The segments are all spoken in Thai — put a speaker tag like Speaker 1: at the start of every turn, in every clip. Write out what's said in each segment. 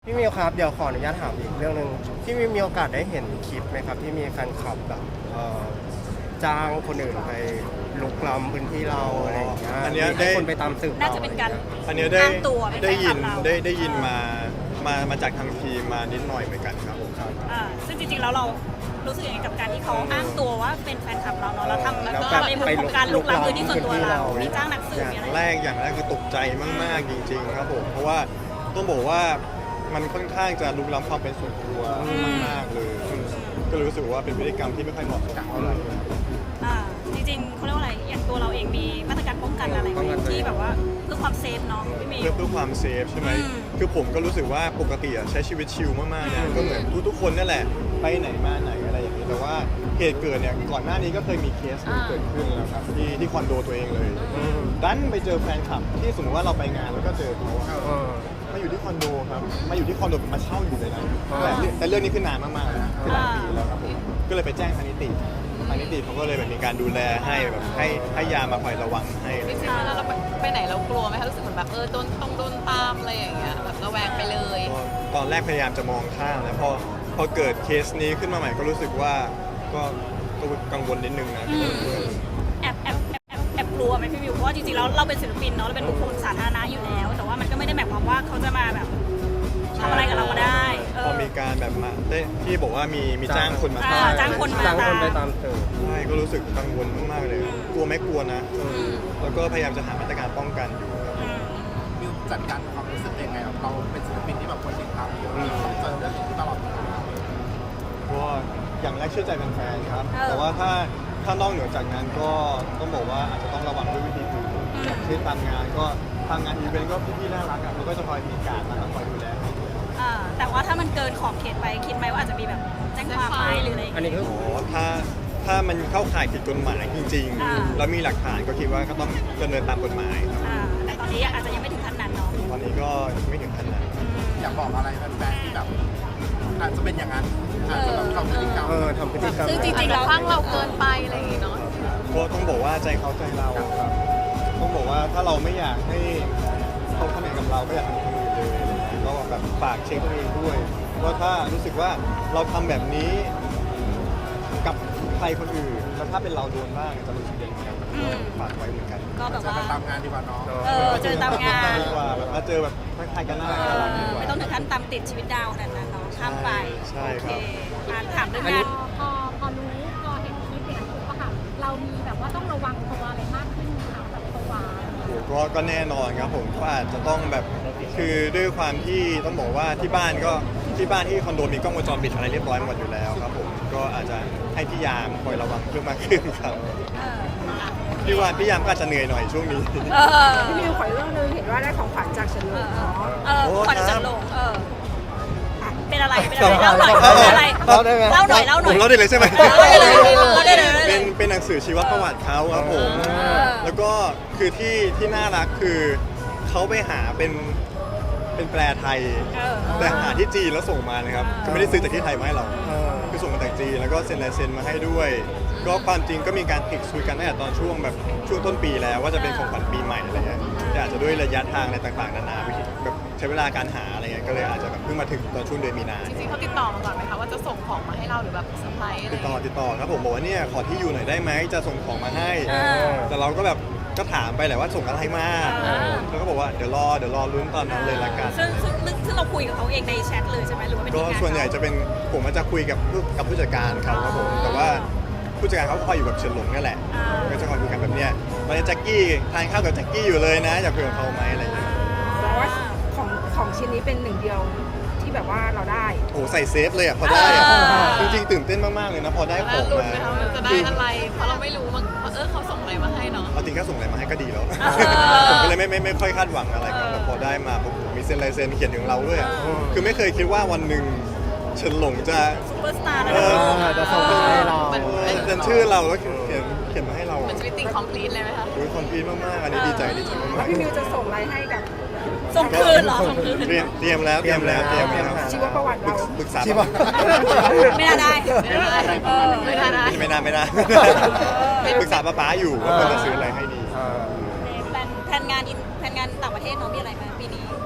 Speaker 1: พี่มิวครับเดี๋ยวขออนุญาตถามอีกเรื่องหนึ่งพี่มิวมีโอกาสได้เห็นคลิปไหมครับที่มีแฟนคลับแบบจ้างคนอื่นไปลุกล้ำพื้นที่เราอะไรอย่างเงี้ย
Speaker 2: อันเนี้ย
Speaker 1: ให้คนไปตามสืบ
Speaker 3: น่าจะเป็นการ
Speaker 2: อันเนี้ยได้
Speaker 3: อ้างตัวเป็นแฟ
Speaker 2: ได้
Speaker 3: นค
Speaker 2: ยิ
Speaker 3: ลั
Speaker 2: น
Speaker 3: บเรา
Speaker 2: ได้ยินมาจากทางทีมมานิดหน่อยเหมือนกันครับผม
Speaker 3: ซึ่งจริงๆแล้วเรารู้สึกยังไงกับการที่เขาอ้างตัวว่าเป็นแฟนคลับเราเนาะเราทำ
Speaker 1: แล้ว
Speaker 3: ก็
Speaker 1: ก็
Speaker 3: ในมุมของการลุกล้ำพื้นที่ส่วนตัวเรามีจ้างนักสืบมีอะไร
Speaker 2: อย่างแรกคือตกใจมากๆจริงๆครับผมเพราะว่าต้องบอกว่ามันค่อนข้างจะลุกล้ำความเป็นส่วนตัวมากๆเลยก็เลยรู้สึกว่าเป็นพฤติกรรมที่ไม่ค่อยเหมาะสมเท่าไหร่
Speaker 3: จริงๆเขาเรียกว่าอะไรอย่างตัวเราเองมีมาตรการป้องกันอะไรไหมที่แบบว่าเพื่อความเซฟเนาะพี่มี
Speaker 2: เพื่อความเซฟใช่ไหมคือผมก็รู้สึกว่าปกติใช้ชีวิตชิลมากๆนะก็เหมือนทุกๆคนนั่นแหละไปไหนมาไหนอะไรอย่างนี้แต่ว่าเหตุเกิดเนี่ยก่อนหน้านี้ก็เคยมีเคสเกิดขึ้นแล้วครับที่คอนโดตัวเองเลยดันไปเจอแฟนคลับที่สมมติว่าเราไปงานแล้วก็เจอเขามาอยู่ที่คอนโดครับมาอยู่ที่คอนโดมาเช่าอยู่เลยนะแต่เรื่องนี้ขึ้นนานมากๆแล้วคือหลายปีแล้วครับผมก็เลยไปแจ้งทางนิติเขาก็เลยแบบมีการดูแลให้แบบให้ยามาคอยระวังให้
Speaker 4: จริงๆแล้วเราไปไหนเรากลัวไหมคะรู้สึกเหมือนแบบโดนตามอะไรอย่างเงี้ยแบบระแวงไปเลย
Speaker 2: ตอนแรกพยายามจะมองข้ามนะพอเกิดเคสนี้ขึ้นมาใหม่ก็รู้สึกว่าก็กังวลนิดนึงนะ
Speaker 3: แอบกลัวไหมพี่มิวเพราะว่าจริงๆแล้วเราเป็นศิลปินเนาะเราเป็นบุคคลสาธารณะอยู่แล้ว แต่ว่ามันก็ไม่ได้หมายความว่าเขาจะมาแบบทำอะไรกับเราก็ได้
Speaker 2: พอมีการแบบมาได้ที่บอกว่ามีจ้างคนมา
Speaker 3: จ้างคนมา
Speaker 1: จ้างคนไปตามสืบ
Speaker 2: ใช่ก็รู้สึกกังวลมากๆเลยกลัวไหม่กลัวนะแล้วก็พยายามจะหามาตรการป้องกันอยู่ครับ
Speaker 5: มิวจัดการความรู้สึกยังไงเราเป็นศิลปินที่แบบคนติดตามเยอะเราต้องเจอเรื่องนี้ตลอดเวลา
Speaker 2: เพราะว่าอย่างแรกเชื่อใจแฟนๆครับแต่ว่าถ้านอกเหนือจากนั้นก็ต้องบอกว่าอาจจะต้องระวังด้วยวิธีอื่นอย่างเช่นตามงานก็ทางงานอีเวนต์ก็พี่ๆน่ารักเขาก็จะคอยมีการมาคอยดูแลให้
Speaker 3: แต่ว่าถ้ามันเกินขอบเขตไปคิดไหมว่าอาจจะมีแบบแจ้งความไหมหรืออะไร
Speaker 1: อันนี้คือ
Speaker 2: ถ้ามันเข้าข่ายผิดกฎหมายจริงๆแล้วมีหลักฐานก็คิดว่าก็ต้องดำเนินตามกฎหมายครับ
Speaker 3: แต่ตอนนี้อาจจะยังไม่ถึงขั้นนั้นเนาะ
Speaker 2: ตอนนี้ก็ไม่ถึงขั้นนั้น
Speaker 5: อยากบอกอะไรแฟนๆที่แบบอาจจะเป็นอย่างนั้นอาจจะแบบทำพฤติกรรม
Speaker 1: ทำพฤติกรรม
Speaker 3: ซึ่งจริงๆ
Speaker 4: เรา
Speaker 3: แล้ว
Speaker 4: คลั่งเราเกินไปอะไรอย่างงี้เนาะ
Speaker 2: ก็ต้องบอกว่าใจเขาใจเราครับต้องบอกว่าถ้าเราไม่อยากให้เขาทำอย่างกับเราไม่อยากทำคนอื่นเลยอะไรเงี้ยก็แบบฝากเช็คตัวเองด้วยว่าถ้ารู้สึกว่าเราทำแบบนี้กับใครคนอื่นแล้วถ้าเป็นเราโดนบ้างจะรู้สึกยังไงก็ฝากไว้เหมือนกัน
Speaker 3: ก็แบบ
Speaker 5: จะ
Speaker 3: ว่า
Speaker 5: ตามงานดีกว่าน้อง
Speaker 3: เจอตามงาน
Speaker 2: ดีกว่าแบบมาเจอแบบทักทายกันน่ารักดีกว่า
Speaker 3: ไม่ต้องถึงขั้นตามติดชีวิตดาวขนาดนั้นเนาะข้ามไป
Speaker 2: ใช่ครับ
Speaker 3: โอเคถามเรื่องงาน
Speaker 6: พอรู้พอเห็นคลิปอย่างนั้นปุ๊บอะค่ะเรามีแบบว่าต้องระวังตัวอะไรมากขึ้นไหมคะแบบตัว
Speaker 2: ก็แน่นอนครับผมก็อาจจะต้องแบบคือด้วยความที่ต้องบอกว่าที่บ้านที่คอนโดมีกล้องวงจรปิดอะไรเรียบร้อยหมดอยู่แล้วครับผมก็อาจจะให้พี่ยามคอยระวังเพิ่มมากขึ้นครับพี่ยามก็อาจจะเหนื่อยหน่อยช่วงนี้
Speaker 6: พี่มิวขอเรื่องนึงเห็นว่าได้ของขวัญจากเฉลิมเนาะ
Speaker 3: ขวัญจันลงเป็นอะไรเล่าหน่อยเป็นอะไร
Speaker 1: เล่าได้ไหม
Speaker 3: เล่าหน่อย
Speaker 2: ผมเล่าได้เลยใช่ไหม
Speaker 3: เล่าได้เลยเล่าได้เลย
Speaker 2: เป็นหนังสือชีวประวัติเขาครับผมแล้วก็คือที่น่ารักคือเขาไปหาเป็นแปลไทยแต่หาที่จีนแล้วส่งมานะครับคือไม่ได้ซื้อจากที่ไทยมาให้เราคือส่งมาจากจีนแล้วก็เซ็นลายเซ็นมาให้ด้วย ก็ความจริงก็มีการติดคุยกันตั้งแต่ตอนช่วงต้นปีแล้วว่าจะเป็นของขวัญปีใหม่อะไรเงี้ยแต่อาจจะด้วยระยะทางอะไรต่างๆนานาวิธีแบบใช้เวลาการหาอะไรเงี้ยก็เลยอาจจะแบบเพิ่งมาถึงตอนช่วงเดือนมีนา
Speaker 4: จริงๆเขาติดต่อมาก่อนไหมคะว่าจะส่งของมาให้เราหรือแบบเซอร์ไพรส์อะไร
Speaker 2: ติดต่อครับผมบอกว่าเนี่ยขอที่อยู่หน่อยได้ไหมจะส่งของมาให้แต่เราก็แบบก็ถามไปแหละว่าส่งอะไรมาแล้วก็บอกว่าเดี๋ยวรอลุ้นตอนนั้นเลยละกัน
Speaker 3: ซึ่งเราคุยกับเขาเองในแชทเลยใช่ไหมหรือว่าเป็น
Speaker 2: ก็
Speaker 3: ทีมงาน
Speaker 2: ส่วนใหญ่จะเป็นผมจะคุยกับผู้จัดการเขาครับผมแต่ว่าผู้จัดการเขาคอยอยู่กับเฉินหลงนี่แหละก็จะคอยคุยกันแบบเนี้ยตอนนี้แจ็คกี้ทานข้าวกับแจ็คกี้อยู่เลยนะอยากคุยกับเขาไหมอะไรอย่างเงี้ย
Speaker 6: เพราะว่าของชิ้นนี้เป็นหนึ่งเดียวที่แบบว่าเราได้
Speaker 2: โอ้ใส่เซฟเลยอ่ะพอได้อ่ะจริงๆตื่นเต้นมากๆเลยนะพอได้ของ
Speaker 4: ลุ้น
Speaker 2: มา
Speaker 4: ไหมคะมันจะได้อะไรเพราะเราไม่รู้ว่าเขาส่งอะไรมาให้เนาะ
Speaker 2: เอาจริงแค่ส่งอะไรมาให้ก็ดีแล้วผมก็เลยไม่ค่อยคาดหวังอะไรครับแต่พอได้มาผมมีเซ็นลายเซ็นเขียนถึงเราด้วยอะคือไม่เคยคิดว่าวันหนึ่งเฉินหลงจะ
Speaker 3: ซูเปอร์สตาร์แล้ว
Speaker 1: จะส่งมาให้เรา
Speaker 2: เซ็นชื่อเราแล้วเขียนมาให้เรา
Speaker 4: เหมือนชีวิตจริงคอมพลีทเลยไหมคะ
Speaker 2: คอมพลีทมากๆอันนี้ดีใจมา
Speaker 6: แล้ว
Speaker 2: ก
Speaker 6: พี่มิวจะส่งอะไรให้กับ
Speaker 3: ส่งคืนเหรอ
Speaker 2: ๆเตรียมแล้ว
Speaker 6: ชีวประวัติเรา
Speaker 2: ปรึกษา
Speaker 1: ชีวะ
Speaker 3: ไม่น่าได้
Speaker 4: ไม่ได้นะ
Speaker 2: ไม่น่าปรึกษาป้าอยู่ว่าควรจะซื้ออะไรให้ดี
Speaker 3: แผนงานต่างประเทศเนาะมีอะไรไหมปีนี้
Speaker 2: แผนงาน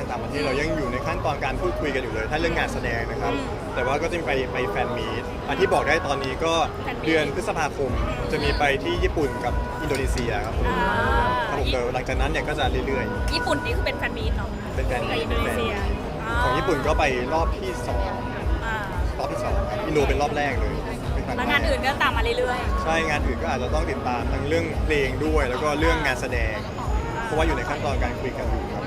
Speaker 2: ต่างประเทศเรายังอยู่ในขั้นตอนการพูดคุยกันอยู่เลยถ้าเรื่องงานแสดงนะครับ แต่ว่าก็จะไปแฟนมีตอันที่บอกได้ตอนนี้ก็เดือนพฤษภาคมจะมีไปที่ญี่ปุ่นกับอินโดนีเซียครับผม
Speaker 3: อ่า
Speaker 2: ครับผมเดี๋ยวหลังจากนั้นเนี่ยก็จะเรื่อย
Speaker 3: ญี่ปุ่นนี่คือเป็นแฟนมีตเนาะ
Speaker 2: ๆเป็นแฟน
Speaker 3: กับ
Speaker 2: มี
Speaker 3: อิ
Speaker 2: ต
Speaker 3: นโดนีเซีย
Speaker 2: ของญี่ปุ่นก็ไปรอบที่สอง
Speaker 3: อ่าร
Speaker 2: อบที่สองครับอินโดเป็นรอบแรกเลยเป็นครั้
Speaker 3: แล้วงานอื่นก็ตามมาเรื่อย
Speaker 2: ใช่งานอื่นก็อาจจะต้องติดตามทั้งเรื่องเพลงด้วย แล้วก็เรื่องงานแสดง เพราะว่าอยู่ในขั้นตอนการคุยกันอยู่ครับ